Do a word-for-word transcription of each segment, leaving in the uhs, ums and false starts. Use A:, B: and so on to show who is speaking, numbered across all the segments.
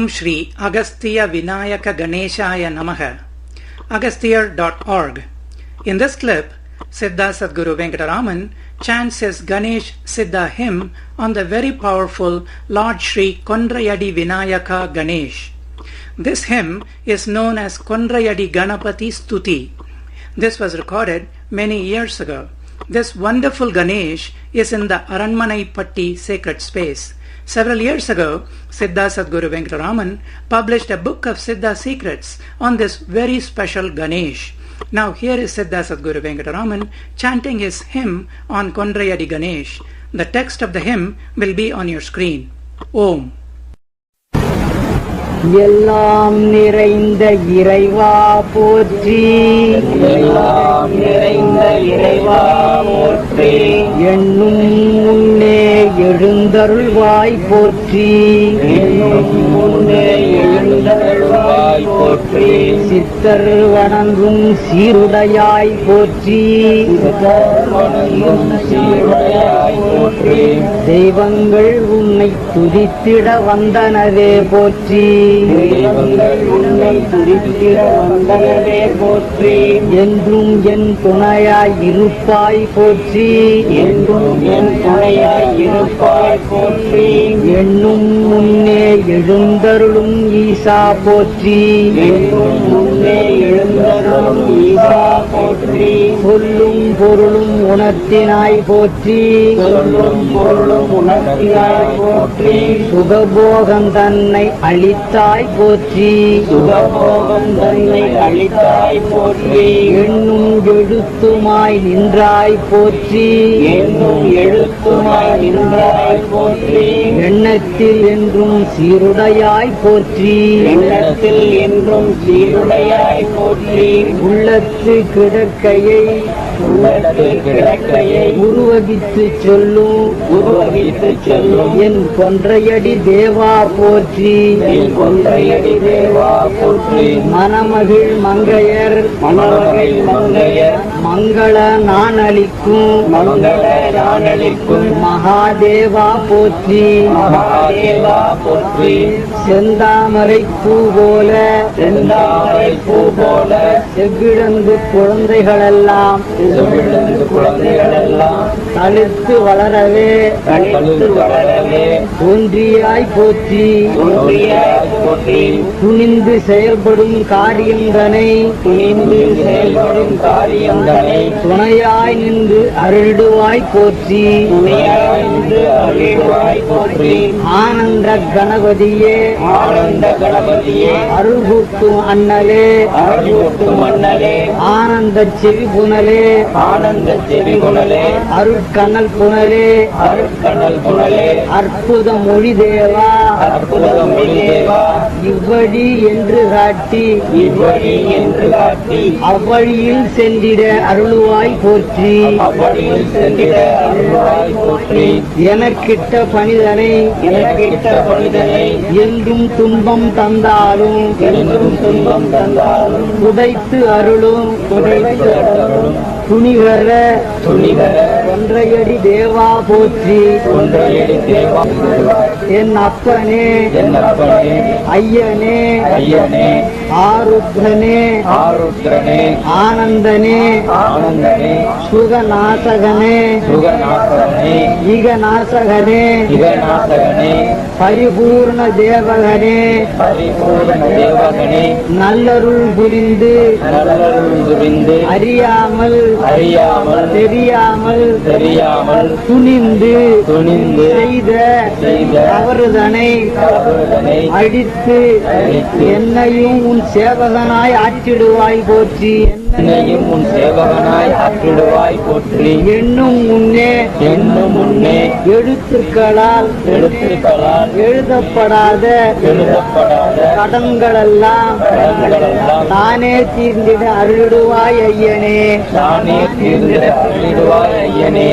A: Om Shri Agastya Vinayaka Ganeshaya Namaha, agasthyar dot org. In this clip, Siddha Sadguru Venkataraman chants his Ganesh Siddha hymn on the very powerful Lord Shri Kondrayadi Vinayaka Ganesh. This hymn is known as Kondrayadi Ganapati Stuti. This was recorded many years ago. This wonderful Ganesh is in the Aranmanai Patti sacred space. Several years ago, Siddha Sadguru Venkataraman published a book of Siddha secrets on this very special Ganesh. Now here is Siddha Sadguru Venkataraman chanting his hymn on Kondrayadi Ganesh. The text of the hymn will be on your screen. Om.
B: எல்லாம் நிறைந்த இறைவா போற்றி,
C: எல்லாம் நிறைந்த இறைவா போற்றி,
B: எண்ணும் முன்னே எழுந்தருள்வாய் போற்றி,
C: எண்ணும் முன்னே எழுந்தருள்வாய் போற்றி,
B: சித்தர் வணங்கும் சீருடையாய் போற்றி,
C: சித்தர் வணங்கும் சீருடையாய் போற்றி,
B: தெய்வங்கள் உன்னை துதித்திட வந்தனவே போற்றி,
C: தெய்வங்கள் உன்னை துதித்திட வந்தனவே போற்றி,
B: என்றும் என் துணையாய் இருப்பாய் போற்றி,
C: என்றும் என் துணையாய் இருப்பாய் போற்றி,
B: எண்ணும் முன்னே எழுந்தருளும் ஈசா போற்றி,
C: என்றும் முன்னே எழுந்தருளும் ஈசா போற்றி,
B: சொல்லும் பொருளும் உணர்த்தினாய் போற்றி,
C: சொல்லும் பொருளும் உணர்த்தினாய் போற்றி,
B: சுகபோகம் தன்னை அளித்தாய் போற்றி,
C: சுகபோகம் தன்னை அளித்தாய் போற்றி,
B: எண்ணும் எழுத்துமாய் நின்றாய் போற்றி,
C: என்னும் எழுத்துமாய் நின்றாய் போற்றி,
B: எண்ணத்தில் என்றும் சீருடையாய் போற்றி,
C: எண்ணத்தில் என்றும் சீருடையாய் போற்றி,
B: உள்ளத்து கிடக்கையை
C: உள்ளத்து கிடக்கையை
B: உருவகித்து சொல்லும்
C: உருவகித்து செல்லும்
B: என் கொன்றையடி தேவா போற்றி,
C: என் கொன்றையடி தேவா போற்றி,
B: மணமகிழ் மங்கையர்
C: மணவகை மங்கையர்
B: மங்கள நான் அளிக்கும்
C: மங்கள நானளிக்கும்
B: மகாதேவா போற்றி,
C: மகாதேவா போற்றி,
B: செந்தாமரை பூ போல
C: செந்தாமரை பூ போல
B: செவ்விழந்து குழந்தைகளெல்லாம்
C: செவிழந்து குழந்தைகளெல்லாம்
B: தளிர்த்து வளரவே
C: தனித்து வளரவே
B: தோன்றியாய் போற்றி,
C: தோன்றியாய் போற்றி,
B: துணிந்து செயல்படும் காரியந்தனை
C: துணிந்து செயல்படும் காரியங்களை
B: துணையாய் நின்று அருள்வாய் போற்றி,
C: துணையாய் நின்று அருள்வாய் போற்றி,
B: ஆனந்த கணபதியே
C: ஆனந்த கணபதியே
B: அருள் கூட்டும் அண்ணலே
C: அருள்வூட்டும் மன்னரே
B: ஆனந்த செவி புனலே
C: ஆனந்த செவிகுணலே
B: அருட்கண்ணல் புனலே
C: அருட்கணல் குணலே
B: அற்புத மொழி தேவா
C: அற்புத மொழிதேவா
B: இவ்வழி என்று காட்டி
C: இவ்வழி என்று காட்டி
B: அவ்வழியில் சென்றிட அருள்வாய் போற்றி,
C: அவ்வழியில் சென்றிட அருள்வாய் போற்றி,
B: எனக்கிட்ட பணிதனை
C: எனக்கிட்ட பணிதனை
B: என்றும் துன்பம் தந்தாலும்
C: என்றும் துன்பம் தந்தாலும்
B: புதைத்து அருளும்
C: துடைத்து அருளும்
B: துணிகர
C: துணிகர
B: ஒன்றையடி தேவா போற்றி,
C: ஒன்றையடி தேவா
B: என் அப்பனே
C: என் அப்பனே
B: ஐயனே
C: ஐயனே
B: ஆருத்ரனே
C: ஆருத்ரனே
B: ஆனந்தனே
C: ஆனந்தனே
B: சுகநாசகனே
C: சுகநாசகனே
B: ஈகநாசகனே
C: யுகநாசகனே
B: பரிபூர்ண தேவகனே
C: பரிபூரண தேவகனே
B: நல்லருள் புரிந்து
C: நல்லருள் புரிந்து
B: அறியாமல்
C: அறியாமல்
B: தெரியாமல்
C: தெரியாமல்
B: துணிந்து
C: துணிந்து
B: செய்த
C: செய்த
B: தவறுதனை
C: தவறுதனை
B: அடித்து
C: அழித்து
B: என்னையும் உன் சேவகனாய் ஆற்றிடுவாய் போற்றி,
C: என்னையும் உன் சேவகனாய் ஆற்றிடுவாய் போற்றி,
B: என்னும் முன்னே
C: என்னும் முன்னே
B: எழுத்துக்களால்
C: எழுத்துக்களால்
B: எழுதப்படாத
C: எழுதப்படாத
B: கடன்களெல்லாம்
C: கடன்களெல்லாம்
B: தானே தீர்ந்திட அருளிடுவாய் ஐயனே,
C: தானே தீர்ந்திட அருளிடுவாய் ஐயனே,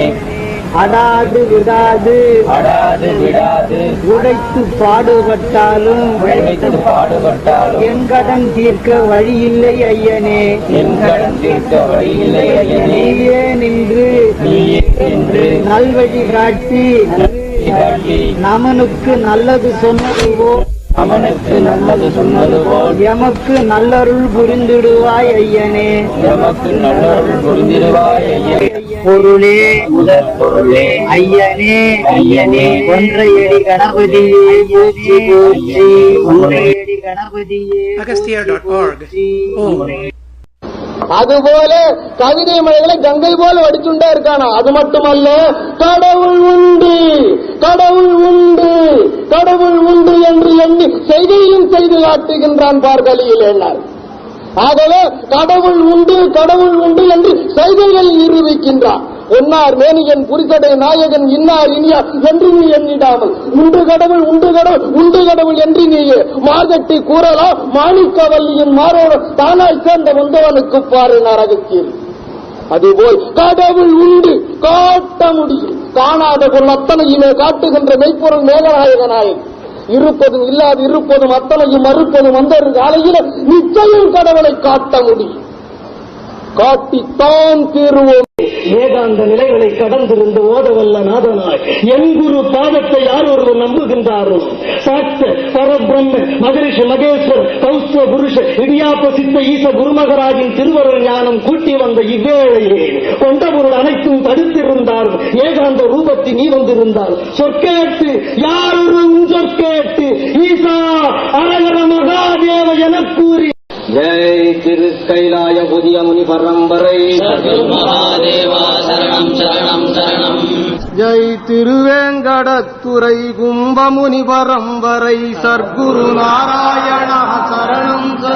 B: அடாது விடாது
C: அடாது விடாது
B: உடைத்து பாடுபட்டாலும்
C: உழைத்து பாடுபட்டாலும்
B: என் கடன் தீர்க்க வழியில்லை ஐயனே,
C: என் கடன் தீர்க்க வழியில்லை ஐயனே,
B: நீயே நின்று
C: நீயே என்று
B: நல்வழி காட்டி
C: காட்டி
B: நமனுக்கு நல்லது சொன்னதுவோ
C: அவனுக்கு நல்லது சொன்னது போல்
B: எமக்கு நல்லருள் புரிந்திடுவாய் ஐயனே.
C: எமக்கு நல்லருள் புரிந்திடுவாய் ஐயனே.
B: பொருளே
C: முதற் பொருளே
B: ஐயனே
C: ஐயனே.
B: ஒன்றையடி கணபதியே போற்றி போற்றி. ஒன்றையடி கணபதியே
A: agastya dot org. Om.
D: அதுபோல கவிதை மழைகளை கங்கை போல வடிச்சுண்டே இருக்கானா. அது மட்டுமல்ல, கடவுள் உண்டு கடவுள் உண்டு கடவுள் உண்டு என்று எண்ணி செய்தியும் செய்து காட்டுகின்றான் பார்கலியில் என்னார். ஆகவே கடவுள் உண்டு கடவுள் உண்டு என்று செய்திகள் நிரூபிக்கின்றான். ஒன்னார் மேனியன் புரிசடை நாயகன் இன்னார் இனியார் என்று நீ எண்ணிடாமல் உண்டு கடவுள் உண்டு கடவுள் உண்டு கடவுள் என்று நீயே மார்கட்டி கூறலாம். மாணிக்கவல்லியின் மாறோடு தானாய் சேர்ந்த வந்தவனுக்கு பாரு நரகத்தில். அதுபோல் கடவுள் உண்டு காட்ட முடியும். காணாத பொருள் அத்தனையுமே காட்டுகின்ற மெய்ப்பொருள் மேகநாயக நாயகன். இருப்பதும் இல்லாது இருப்பதும் அத்தனையும் மறுப்பதும் அந்த காலையில் நிச்சயம் கடவுளை காட்ட முடியும். காட்டித்தான் தீருவோம்.
E: ஏகாந்த நிலைகளை கடந்திருந்து ஓதவல்ல நாதனாய் என் குரு பாதத்தை யார் ஒருவர் நம்புகின்றாரோ சாட்ச பரபிரம்ம மகரிஷி மகேஸ்வர் கௌஸ்வ புருஷ இடியாப்ப சித்த ஈச குருமகராஜின் திருவருள் ஞானம் கூட்டி வந்த இவ்வேளையே கொண்ட பொருள் அனைத்தும் தடுத்திருந்தாலும் ஏகாந்த ரூபத்தில் நீ வந்திருந்தால் சொற்கேட்டு யார் ஒரு சொற்கேட்டு ஈசா அரகர மகாதேவ என கூறி
C: ஜெய் திரு கைலாய புதிய முனி பரம்பரை
F: மகாதேவா சரணம் சரணம் சரணம்.
D: ஜெய் திருவேங்கடத்துறை கும்பமுனி பரம்பரை சர்க்குரு நாராயண சரணம்.